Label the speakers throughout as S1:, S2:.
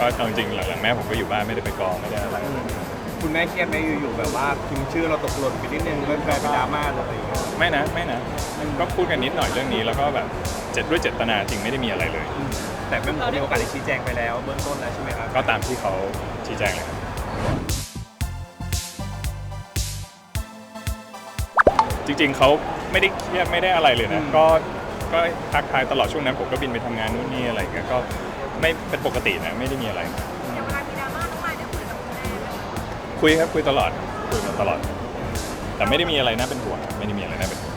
S1: ก็เอาจริงๆหลังๆแม่ผมก็อยู่บ้านไม่ได้ไปกองไม่ได้อะไร
S2: คุณแม่เครียดไหมอยู่ๆแบบว่าพิมพ์ชื่อเราตกหล่นไปนิดนึงก็กลายเป็นดราม่าเลย
S1: ไม่นะก็พูดกันนิดหน่อยเรื่องนี้แล้วก็แบบด้วยเจตนาจริงไม่ได้มีอะไรเลย
S2: แต่แม่หมูมีโอกาสได้ชี้แจงไปแล้วเบื้องต้นแล้วใช่ไหมครับ
S1: ก็ตามที่เขาชี้แจงเลยครับจริงๆเขาไม่ได้เครียดไม่ได้อะไรเลยนะก็ทักทายตลอดช่วงนั้นผมก็บินไปทำงานนู่นนี่อะไรเงี้ยก็ไม่เป็นปกตินะไม่ได้มีอะไร
S3: อย่างเวลามีดราม่าน้องมายได้คุยกับคุณแม่ไหมคะ
S1: คุยครับคุยตลอดคุยมาตลอด แต่ไม่ได้มีอะไรน่าเป็นห่วงไม่ได้มีอะไรน่าเป็นห่วง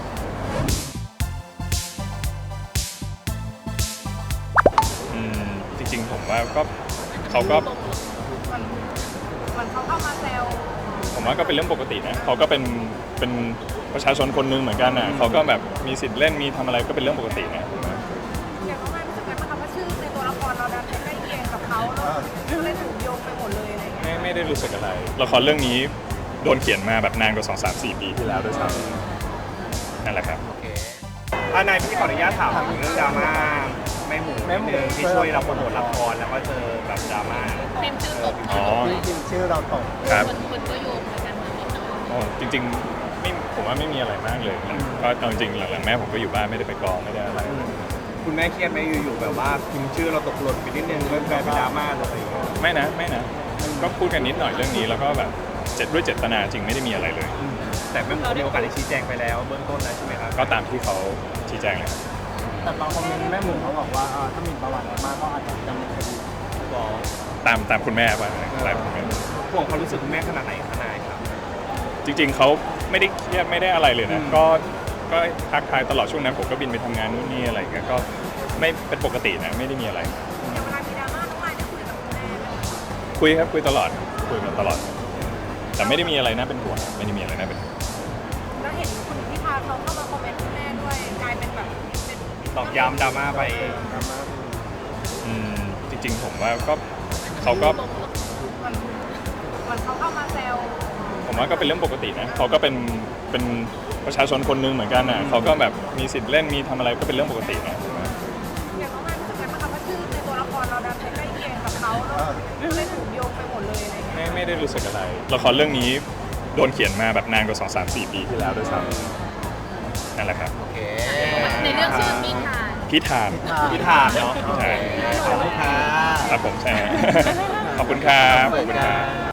S1: จริงๆผมว่าก็เขาก็
S3: มันเขาเข้ามาแซว
S1: ผมว่าก็เป็นเรื่องปกตินะเขาก็เป็นประชาชนคนหนึงเหมือนกันนะเขาก็แบบมีสิทธิ์เล่นมีทำอะไรก็เป็นเรื่องปกตินะ
S3: อย่างน้องมายรู้สึกไงบ้างคะว่าชื่อในตัวละครเราดันไปใกล้เคียงกับเขาแล้วเลยถูกโยงไปหมดเลยอะไรเงี้ย
S1: ไม่ได้รู้สึกอะไรละครเรื่องนี้โดนเขียนมาแบบนานกว่า2-3-4 ปีที่แล้วด้วยซ้ำนั่นแหละครับ
S2: โอเคนายพี่ขออนุญาตถามถึงเรื่องดราม่าแม่หมูที่ช่วยเราโปรโมทละครแล้วก็เจอแบบดราม่า
S3: พิมพ์ชื่อตก
S2: ที่พิมพ์ชื่อเราตก
S1: ครับ
S3: คนก็โยงเหมือนกันมานิดหน่อย
S1: จริงๆไม่ผมว่าไม่มีอะไรมากเลยก็เอาจริงหลังๆแม่ผมก็อยู่บ้านไม่ได้ไปกองไม่ได้อะไร
S2: คุณแม่เครียดไหมอยู่ๆแบบว่าพิมพ์ชื่อเราตกหล่นไปนิดนึงก็กลายเป็นดราม่าเลย
S1: ไม่นะก็พูดกันนิดหน่อยเรื่องนี้แล้วก็แบบด้วยเจตนาจริงไม่ได้มีอะไรเลย
S2: แต่แม่หมูมีโอกาสได้ชี้แจงไปแล้วเบื้องต้นแล้วใช่ไหมครับ
S1: ก็ตามที่เขาชี้แจงเลย
S2: แต่บางคอมเมนต์แม่หมูเขาบอกว่าถ้ามีประวัติมากก็อาจจะดำเนินคดี
S1: ตามคุณแม่ว่าอะไรผมไม่
S2: ห่วงความรู้สึกคุณแม่ขนาดไหนทนายครับ
S1: จริงๆเขาไม่ได้เครียดไม่ได้อะไรเลยนะก็ทักทายตลอดช่วงนั้นผมก็บินไปทำงานนู่นนี่อะไรเงี้ยก็ไม่เป็นปกตินะไม่ได้มีอะไร
S3: อย่างเวลามีดราม่าน้องมายได้คุยกับคุณแม่ไหมคะ
S1: คุยครับคุยตลอดคุยมาตลอดแต่ไม่ได้มีอะไรน่าเป็นห่วงไม่ได้มีอะไรน่าเป็นห่วง
S3: แล้วเห็นคุณพิธาเขาเข้ามาคอมเมนต์คุณแม่ด้วยกลายเป็นแบบเป็น
S2: ตอกย้ำดราม่าไป
S1: จริงๆผมว่าก็เขาก็
S3: มันเขาเข้ามาแซว
S1: ผมว่าก็เป็นเรื่องปกตินะเขาก็เป็นประชาชนคนหนึงเหมือนกันนะเขาก็แบบมีสิทธิ์เล่นมีทำอะไรก็เป็นเรื่องปกตินะ
S3: อย่างน้องมายรู้สึกไงบ้างคะว่าชื่อในตัวละครเราดันไปใกล้เคียงกับเขาแล้วเลยถูกโยงไปหมดเลยอะไรเงี้ย
S1: ไม่ได้รู้สึกอะไรละครเรื่องนี้โดนเขียนมาแบบนานกว่า2-3-4 ปีที่แล้วด้วยซ้ำนั่นแหละครับ
S3: ในเรื่องชื่อ
S1: พิธาน
S2: เนาะ
S1: ใช่
S2: ขอบคุณค่ะ
S1: ครับผมใช่ขอบคุณครับขอบคุณครับ